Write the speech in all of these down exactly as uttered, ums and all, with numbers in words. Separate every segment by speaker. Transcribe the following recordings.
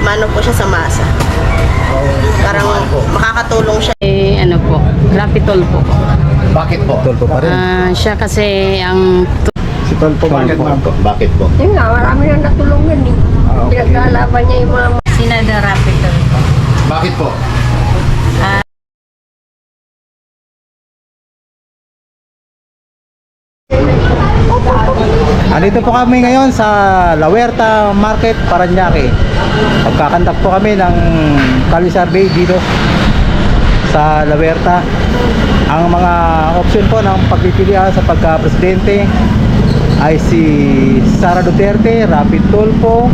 Speaker 1: maano po siya sa masa. Parang makakatulong siya.
Speaker 2: Eh, ano po, Rapitol po.
Speaker 3: Bakit po?
Speaker 4: Tol po pa rin.
Speaker 2: Ah, siya kasi ang
Speaker 4: Si Tol po, bakit ma'am?
Speaker 3: Bakit po?
Speaker 5: Yun nga, marami nang natulungan eh.
Speaker 4: Ah, okay.
Speaker 5: Pinaglalaban niya yung mga
Speaker 2: Senador Rapitol po.
Speaker 3: Bakit po?
Speaker 4: Andito po kami ngayon sa La Huerta Market, Parañaque. Magkakandak po kami ng Kali Survey dito sa La Huerta. Ang mga option po ng pagpipilian sa pagka-presidente ay si Sara Duterte, Rapi Tulfo,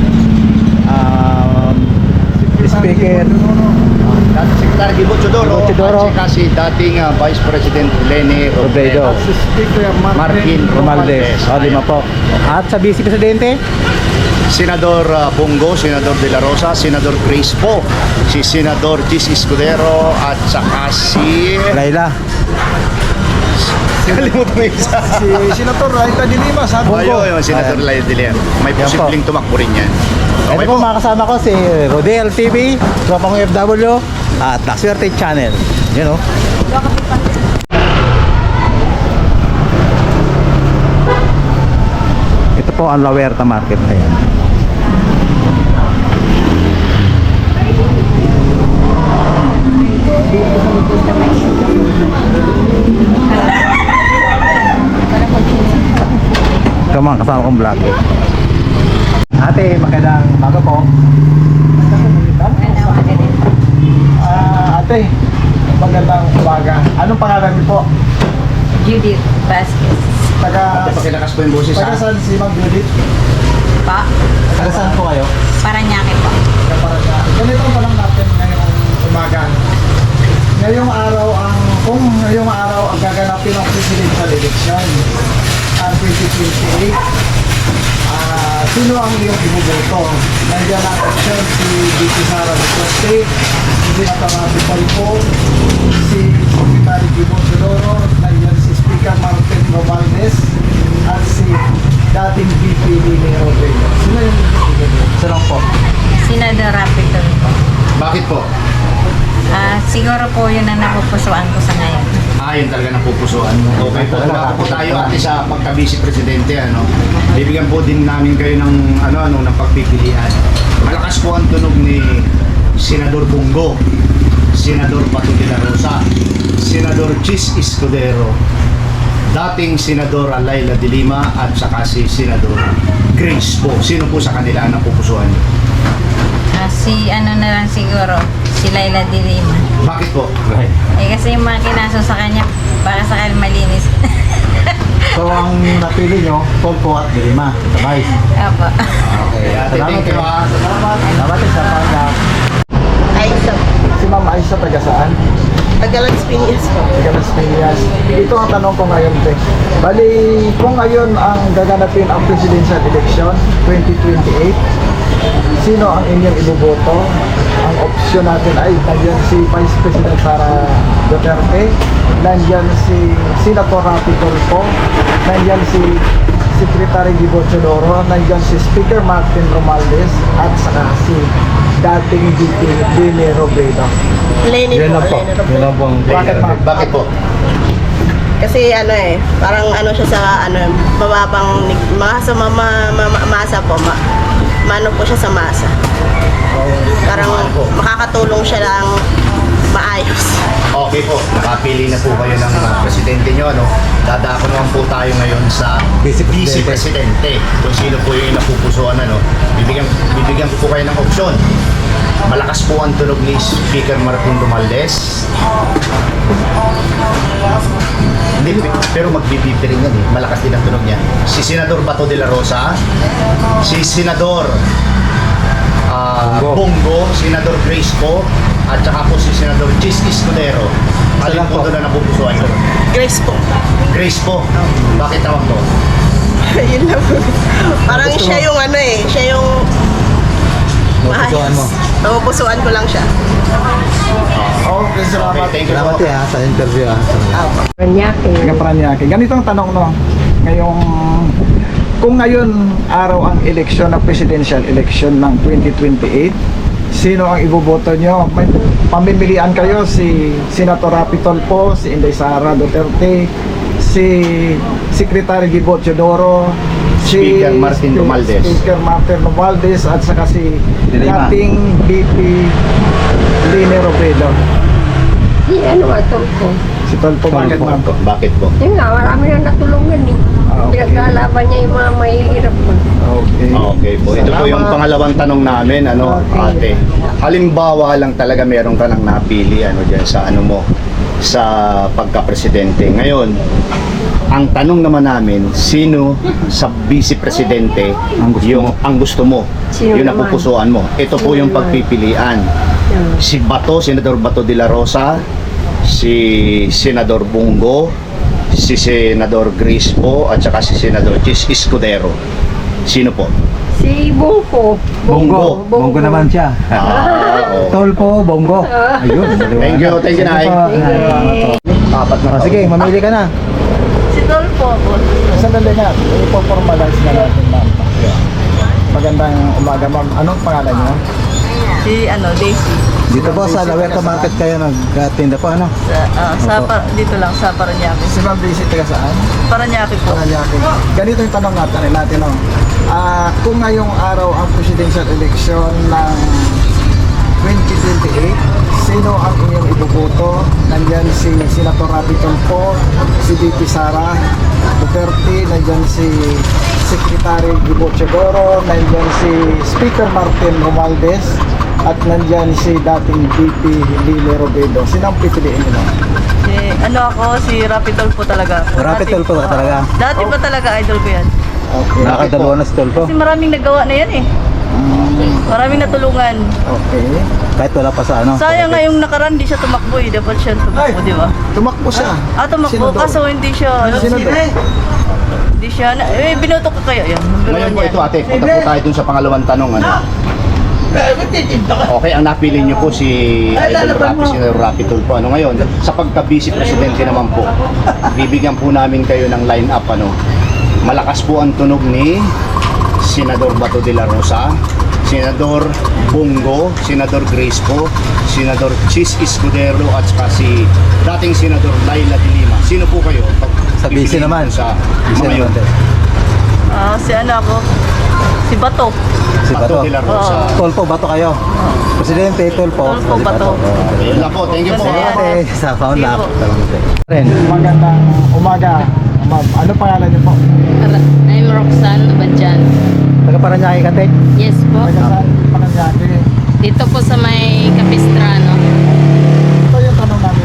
Speaker 4: um, si Speaker
Speaker 3: Dating Secretary Gibo Chodoro
Speaker 4: Gibo Chodoro.
Speaker 3: at saka si dating uh, Vice President Leni
Speaker 4: Robredo,
Speaker 3: Robredo. Martin
Speaker 4: Romualdez.
Speaker 3: Romualdez.
Speaker 4: O, lima po. At sa Vice Presidente,
Speaker 3: Senador uh, Bongo, Senador De La Rosa, Senador Grace Po, si Senador Gis Escudero at saka si...
Speaker 4: Laila.
Speaker 3: Kalimutan mo isa.
Speaker 4: Si Senator Laila de Lima, sa
Speaker 3: Ayun, yung Senador
Speaker 4: Ayan.
Speaker 3: Laila de Lima. May
Speaker 4: Yan po.
Speaker 3: posibleng tumakbo rin yan.
Speaker 4: Ito
Speaker 3: Okay
Speaker 4: po,
Speaker 3: po.
Speaker 4: mga kasama ko si Rodel T V, Tropang F W at La Suerte Channel. Yun o. Ito po ang La Huerta Market. Ayan. Ito mga kasama kong vlog. Ate, magandang umaga po. Ah, ate, magandang umaga. Anong pangalan niyo po?
Speaker 2: Judith Vasquez.
Speaker 4: Taga,
Speaker 3: Ate, pakilakas po yung boses
Speaker 4: taga
Speaker 3: ha.
Speaker 4: saan si Ma'am Judith?
Speaker 2: Pa,
Speaker 4: Taga saan po kayo?
Speaker 2: Parañaque po.
Speaker 4: Taga Parañaque. Ganito pa lang natin ngayong umaga. Ngayong araw ang, kung ngayong araw ang gaganapin ang presidential election ang twenty twenty-eight, ah, sino ang iyong ibuboto? Nandiyan ang option si D P Sara Duterte, si Senator Rapi Tulfo, si Secretary Gibo Chodoro, nandiyan si Speaker Martin Romualdez, at si dating V P Leni Robredo. Sino yung ibuboto? Sino po?
Speaker 2: Senador Rapitol po.
Speaker 3: Bakit po?
Speaker 2: Ah, siguro po yun ang napupusuan ko sa ngayon.
Speaker 3: Ah, yun talaga napupusuan mo. Okay po, tumakas po tayo ate sa pagka-vice presidente, ano. Bibigyan po din namin kayo ng ano ano ng pagpipilian. Malakas po ang tunog ni Senador Bongo, Senador Bato de la Rosa, Senador Gis Escudero, dating Senador Laila de Lima at saka si Senador Grace po. Sino po sa kanila ang napupusuan niyo?
Speaker 2: Ah, si ano na lang siguro, si Laila de Lima.
Speaker 3: Bakit po?
Speaker 2: Eh kasi yung mga kinaso sa kanya, para sa kanya malinis.
Speaker 4: So ang napili nyo, Tulfo at De Lima. Sabay.
Speaker 2: Opo.
Speaker 3: Okay, ate, thank you ha.
Speaker 4: Salamat. Salamat sa pag
Speaker 1: Ay, sa
Speaker 4: Si Ma'am Aisha taga saan?
Speaker 1: Tagalas Piñas po.
Speaker 4: Taga Las Piñas. Ito ang tanong ko ngayon, te. Bali, kung ngayon ang gaganapin ang presidential election twenty twenty-eight, sino ang inyong iboboto? Ang opsyon natin ay nandiyan si Vice President Sara Duterte, nandiyan si Senator Rapi Tulfo, nandiyan si Secretary Gibo Chodoro, nandiyan si Speaker Martin Romualdez, at saka si dating V P Leni Robredo.
Speaker 1: Lenny po. Lenny Robredo.
Speaker 4: Bakit, ma'am?
Speaker 3: Bakit po?
Speaker 1: Kasi ano eh, parang ano siya sa ano, mababang mga sa mama, mama, masa po, ma, maano po siya sa masa. Parang makakatulong siya lang maayos.
Speaker 3: Okay po, nakapili na po kayo ng uh, presidente nyo, ano? Dadako naman po tayo ngayon sa
Speaker 4: Vice Presidente.
Speaker 3: Vice Presidente. Kung sino po yung napupusuan, ano? Bibigyan, bibigyan ko po kayo ng opsyon. Malakas po ang tunog ni Speaker Martin Romualdez. Hindi, pero magbibibi rin yan eh. Malakas din ang tunog niya. Si Senador Bato de la Rosa, si Senador ah,
Speaker 4: Bongo.
Speaker 3: Bongo, Senador Grace Po, at saka po si Senador Gis Escudero. Alin po doon na napupusuan ko?
Speaker 1: Grace po.
Speaker 3: Grace Po. Bakit tawag to?
Speaker 1: Yun lang po. Parang
Speaker 4: Gusto
Speaker 1: siya
Speaker 4: mo?
Speaker 1: yung ano eh, siya yung
Speaker 4: Napupusuan mo.
Speaker 1: Napupusuan ko lang siya.
Speaker 4: Okay, salamat.
Speaker 3: Okay, thank you
Speaker 4: Salamat
Speaker 3: po.
Speaker 4: eh, ha, sa interview ha.
Speaker 5: Parañaque.
Speaker 4: Taga Parañaque. Ganito ang tanong no. Ngayong kung ngayon araw ang eleksyon ng presidential election ng twenty twenty-eight, sino ang iboboto nyo? May pamimilian kayo, si Senator Rapi Tulfo, si Inday Sara Duterte, si Secretary Gibo Teodoro, si
Speaker 3: Speaker Martin Romualdez.
Speaker 4: Speaker Martin Romualdez, at saka si
Speaker 6: Dilima.
Speaker 4: dating B P Lene Robredo.
Speaker 5: Di ano nga ito ko.
Speaker 4: Si Tulfo, bakit ma'am?
Speaker 3: Bakit po?
Speaker 5: Yun nga, marami na natulungan eh.
Speaker 4: Ah, okay.
Speaker 5: Pinaglalaban niya yung mga mahihirap pa.
Speaker 4: Okay.
Speaker 3: Okay po. Ito po yung
Speaker 4: Salamat.
Speaker 3: pangalawang tanong namin, ano, ate. Halimbawa lang talaga meron ka nang napili ano diyan sa ano mo sa pagka-presidente. Ngayon, ang tanong naman namin, sino sa vice presidente
Speaker 6: Ang gusto
Speaker 3: yung
Speaker 6: mo?
Speaker 3: ang gusto mo?
Speaker 5: Sino
Speaker 3: yung
Speaker 5: naman?
Speaker 3: napupusuan mo. Ito po
Speaker 5: Sino
Speaker 3: yung
Speaker 5: naman?
Speaker 3: pagpipilian.
Speaker 5: Yan.
Speaker 3: Si Bato, Senador Bato de la Rosa, si Senador Bungo, si Senador Grispo, at saka si Senador Chis Escudero. Sino po?
Speaker 5: Si Bungko.
Speaker 3: Bongo.
Speaker 6: Bongo naman siya.
Speaker 3: Ah, oh.
Speaker 6: Tolpo, Bongo. Ayun.
Speaker 3: Thank you, thank you, Nay. Apat na
Speaker 6: Oh,
Speaker 3: taon.
Speaker 6: sige, mamili ka na.
Speaker 1: Si Dolfo po.
Speaker 4: Sandali nga, ipo-formalize na natin, ma'am. Magandang umaga, ma'am. Anong pangalan niyo?
Speaker 1: Si ano, Daisy.
Speaker 6: Dito po sa Lawerta Market kayo nagtinda po, ano?
Speaker 1: Sa, ah, sa
Speaker 6: Opo.
Speaker 1: Par- dito lang, sa Paranaque.
Speaker 4: Si Ma'am Daisy, taga saan?
Speaker 1: Paranaque po.
Speaker 4: Paranaque. Ganito yung tanong natin, natin no? Ah, kung ngayong araw ang presidential election ng twenty twenty-eight, sino ang inyong iboboto? Nandyan si Senator Rapi Tulfo, si B P Sara Duterte, nandyan si Secretary Gibo Teodoro, nandyan si Speaker Martin Romualdez, at nandyan si dating B P Lene Robredo. Sino ang pipiliin nila?
Speaker 1: Si, ano ako, si Rapi Tulfo talaga. ako.
Speaker 6: Rapi
Speaker 1: Dati-
Speaker 6: Tulfo ka talaga?
Speaker 1: Dati pa talaga idol ko yan.
Speaker 4: Okay.
Speaker 6: Nakadalawa na si Tolpo.
Speaker 1: Kasi maraming nagawa na yan eh. Maraming natulungan.
Speaker 4: Okay.
Speaker 6: Kahit wala pa sa ano.
Speaker 1: Sayang nga yung nakaraan, di siya tumakbo eh. Dapat siya tumakbo, di ba?
Speaker 4: Tumakbo siya.
Speaker 1: Ah, tumakbo,
Speaker 4: Senador.
Speaker 1: kaso hindi siya,
Speaker 4: Senador.
Speaker 1: hindi siya, na, eh, binoto ko kaya yan.
Speaker 3: Ngayon po ito, ate, punta po tayo dun sa pangalawang tanong. Ano? Okay, ang napili niyo po si Idol Rapi, si Rapi Tulfo. Ano ngayon, sa pagka-vice presidente naman po, bibigyan po namin kayo ng line-up. Ano? Malakas po ang tunog ni Senador Bato de la Rosa, Senador Bungo, Senador Grispo, Senador Chis Escudero, at saka si dating Senador Laila de Lima. Sino po kayo?
Speaker 6: Sa vice
Speaker 3: Pipiliin
Speaker 6: naman.
Speaker 3: po Sa
Speaker 6: Vice
Speaker 3: mga yun.
Speaker 6: naman.
Speaker 1: Ah, si ano ako, si Bato.
Speaker 6: Si
Speaker 3: Bato
Speaker 6: Bato.
Speaker 3: de la Rosa.
Speaker 6: Tolpo, Bato kayo. Presidente, Tolpo.
Speaker 1: Tolpo,
Speaker 6: Si
Speaker 1: Bato.
Speaker 6: Oh,
Speaker 3: Ayun lang po, thank you po.
Speaker 1: Kasi-
Speaker 6: Ate, sa phone lang. Ren.
Speaker 4: Magandang umaga, ma'am. Ano pangalan niyo po?
Speaker 2: I'm Roxanne Abadjan.
Speaker 6: Taga Paranaque ka, te?
Speaker 2: Yes po.
Speaker 4: Taga saan Paranaque?
Speaker 2: Dito po sa may Capistrano.
Speaker 4: Ito yung tanong namin.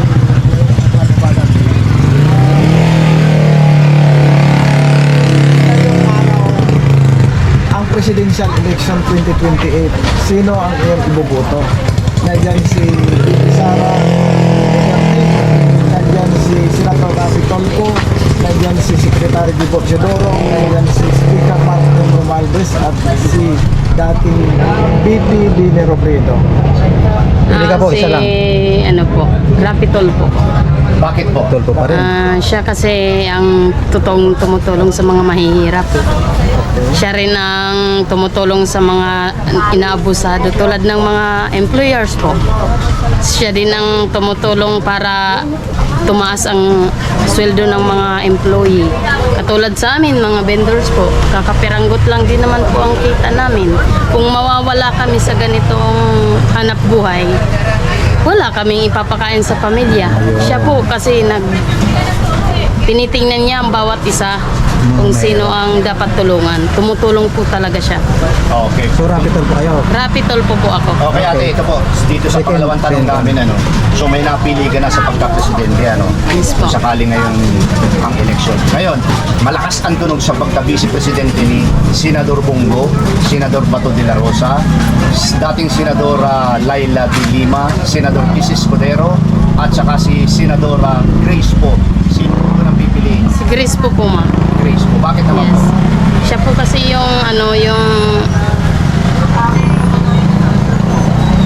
Speaker 4: Ngayong araw, ang presidential election twenty twenty-eight, sino ang iyong iboboto? Nandiyan si Sara Duterte, nandiyan si Senator Rapi Tulfo, nandiyan si Secretary Gibo Teodoro, nandiyan si Speaker Martin Romualdez, at si dating B P Lene Robredo.
Speaker 6: Pili ka po,
Speaker 2: si,
Speaker 6: isa lang.
Speaker 2: ano po, Rapitol po.
Speaker 3: Bakit po?
Speaker 6: Tolpo pa rin.
Speaker 2: Ah, siya kasi ang totoong tumutulong sa mga mahihirap. Eh. Siya rin ang tumutulong sa mga inaabusado tulad ng mga employers po. Siya din ang tumutulong para tumaas ang sweldo ng mga employee. Katulad sa amin, mga vendors po, kakapiranggot lang din naman po ang kita namin. Kung mawawala kami sa ganitong hanap buhay, wala kaming ipapakain sa pamilya. Siya po kasi nag tinitingnan niya ang bawat isa kung sino ang dapat tulungan. Tumutulong po talaga siya.
Speaker 3: Okay.
Speaker 6: So, Rapi Tolpo kayo.
Speaker 2: Rapitol po po ako.
Speaker 3: Okay, ate, ito po. Dito sa
Speaker 6: Second,
Speaker 3: pangalawang tanong
Speaker 6: second.
Speaker 3: namin, ano, so may napili ka na sa pagka-presidente, ano,
Speaker 2: Yes po.
Speaker 3: kung sakali ngayon ang eleksyon. Ngayon, malakas ang tunog sa pagka-vice presidente ni Senador Bungo, Senador Bato de la Rosa, s- dating Senador ah, Laila de Lima, Senador Chis Escudero, at saka si Senador ah, Grace po. Sino po nang pipiliin?
Speaker 2: Si Grace po po, ma.
Speaker 3: Grace po. Bakit naman
Speaker 2: Yes.
Speaker 3: po?
Speaker 2: Siya po kasi yung ano yung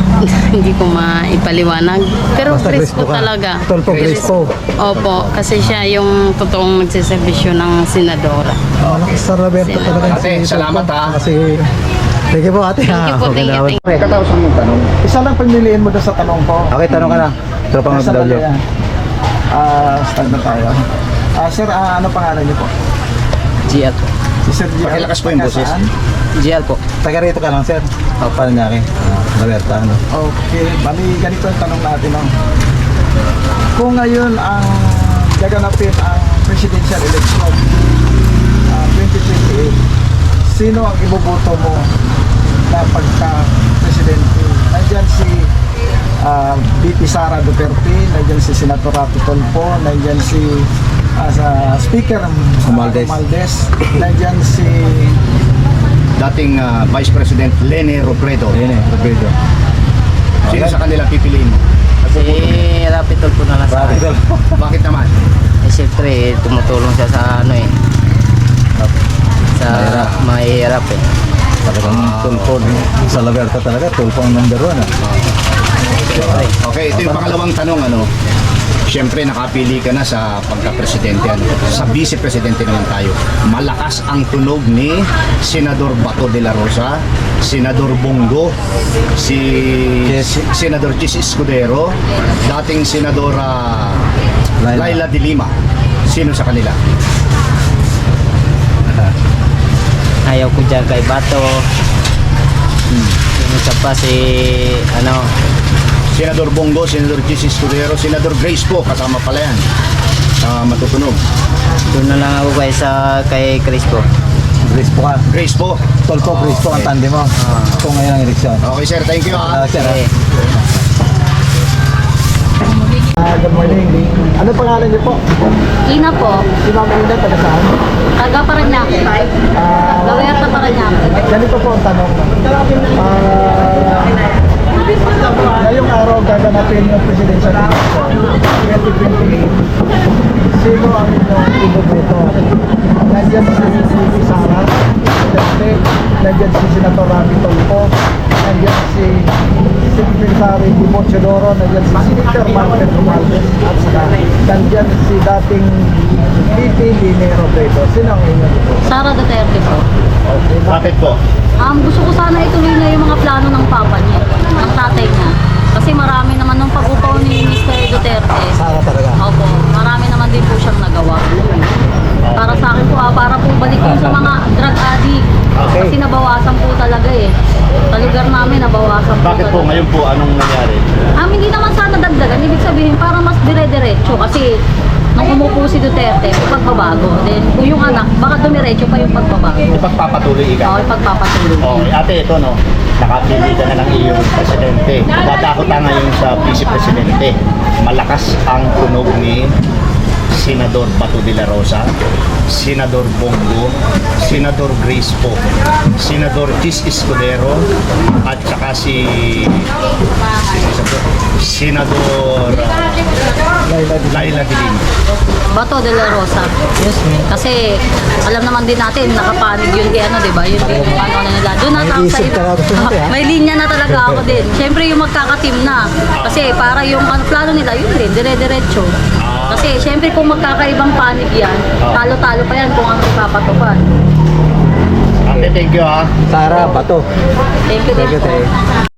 Speaker 2: hindi ko maipaliwanag. Pero
Speaker 6: Basta
Speaker 2: Crispo
Speaker 6: Crispo ka.
Speaker 2: talaga.
Speaker 6: Tulfo Crispo.
Speaker 2: Opo, kasi siya yung totoong nagsiservisyo ng senadora.
Speaker 6: Malakas sa Roberto talaga.
Speaker 3: Ate,
Speaker 6: si
Speaker 3: salamat,
Speaker 6: Tulfo.
Speaker 3: ha.
Speaker 6: Kasi, thank you po ate.
Speaker 2: Thank you po, thank you, thank you.
Speaker 3: Katapos mong tanong.
Speaker 4: Isa lang pagmiliin mo doon sa tanong ko.
Speaker 6: Okay, tanong ka na. Tropang
Speaker 4: Nasa
Speaker 6: F W.
Speaker 4: dali yan. Ah, start na tayo. Ah, sir, ah, ano pangalan niyo po?
Speaker 7: G L po.
Speaker 4: Si Sir G.
Speaker 3: Pakilakas po yung boses.
Speaker 4: Saan?
Speaker 7: G L po.
Speaker 6: Taga rito ka lang, sir. O, paano niya akin? Roberto, ano?
Speaker 4: Okay, bali ganito yung tanong natin. No? Kung ngayon ang gaganapin ang presidential election ah, twenty twenty-eight, sino ang iboboto mo na pagka-presidente? Nandiyan si ah, B P Sara Duterte, nandiyan si Senator Rato Tulfo, nandiyan si ah, sa Speaker
Speaker 6: Romualdez.
Speaker 4: Romualdez, nandiyan si
Speaker 3: Dating ah, Vice President Lene Robredo.
Speaker 6: Ayun eh, Roberto.
Speaker 3: Sino sa kanila pipiliin mo?
Speaker 7: Si Rapitol po na lang sa akin.
Speaker 3: Bakit naman?
Speaker 7: Eh, siyempre, eh, tumutulong siya sa ano eh. Sa mahihirap eh.
Speaker 6: Talagang Tulfo. Sa Roberto talaga, Tulfo ang number one. Ah.
Speaker 7: Siyempre.
Speaker 3: Okay, ito yung pangalawang tanong. Ano? Siyempre, nakapili ka na sa pagka-presidente. Ano? Sa vice-presidente naman tayo. Malakas ang tunog ni Senador Bato de la Rosa, Senador Bongo, si
Speaker 6: Chis.
Speaker 3: si- Senador Chis Escudero, dating Senadora
Speaker 6: Laila.
Speaker 3: Laila de Lima. Sino sa kanila?
Speaker 7: Ayaw ko dyan kay Bato. Hmm. Yung isa pa si, ano,
Speaker 3: Senador Bongo, Senador Chis Escudero, Senador Grace po, kasama pala yan. Ah, matutunog.
Speaker 7: doon na lang ako kay sa kay Crispo.
Speaker 6: Crispo ka.
Speaker 3: Grace po.
Speaker 6: Tulfo, Crispo ang tandi mo. Kung ngayon ang eleksyon.
Speaker 3: Okay sir, thank you
Speaker 6: Ah,
Speaker 3: ah.
Speaker 6: sir, ah.
Speaker 7: Eh,
Speaker 4: ah, good morning. Ano pangalan niyo po?
Speaker 8: Ina po,
Speaker 4: Si Ma'am Ina, taga saan?
Speaker 8: taga Paranaque.
Speaker 4: Ah,
Speaker 8: Gawin sa Paranaque.
Speaker 4: ganito po ang tanong. Ah, ngayong araw gaganapin yung presidential election twenty twenty-eight. Sino ang inyong iboboto? Nandiyan si B P Sara Duterte, nandiyan si Senator Rapi Tulfo, nandiyan si Secretary Dimo Chodoro, nandiyan si Senator Martin Romualdez, at saka nandiyan si dating V P Lene Robredo. Sino ang inyong iboboto?
Speaker 8: Sara Duterte po.
Speaker 4: Okay,
Speaker 3: Bakit po?
Speaker 8: Um, gusto ko sana ituloy na yung mga plano ng papa niya, ng tatay niya. Kasi marami naman nung pag-upaw ni Mister Duterte.
Speaker 6: Sara talaga.
Speaker 8: Opo, marami naman din po siyang nagawa. Para sa akin po, ah, para po balik yung sa mga drug addict.
Speaker 6: Okay.
Speaker 8: Kasi nabawasan po talaga eh. Sa lugar namin, nabawasan po
Speaker 3: Bakit po
Speaker 8: talaga.
Speaker 3: ngayon po anong nangyari?
Speaker 8: Um, hindi naman sana dagdagan. Ibig sabihin, para mas dire-diretso. Kasi nung umupo si Duterte, may pagbabago. Then, kung yung anak, baka dumiretso pa yung pagbabago.
Speaker 3: Ipagpapatuloy ika.
Speaker 8: Okay, pagpapatuloy.
Speaker 3: Okay, ate, ito no, nakapili ka na ng iyong presidente. Dadako ta ngayon sa vice-presidente. Malakas ang tunog ni Senador Bato de la Rosa, Senador Bongo, Senador Grace po, Senador Chis Escudero, at saka si Senador Laila de Lima.
Speaker 8: Bato de la Rosa. Yes, Kasi alam naman din natin, nakapanig yun kay ano, di ba? Yun din yung ano na nila. Doon na
Speaker 6: May
Speaker 8: ako sa
Speaker 6: isip talaga gusto natin, ha?
Speaker 8: May linya na talaga ako din. Siyempre yung magkakateam na. Kasi para yung ano, plano nila, yun din, dire-diretso. Kasi siyempre kung magkakaibang panig yan, talo-talo pa yan kung ano ipapatupad.
Speaker 3: Ate, thank you ha.
Speaker 6: Sara, Bato.
Speaker 8: Thank you,
Speaker 6: Thank you,
Speaker 8: din po.
Speaker 6: Tay.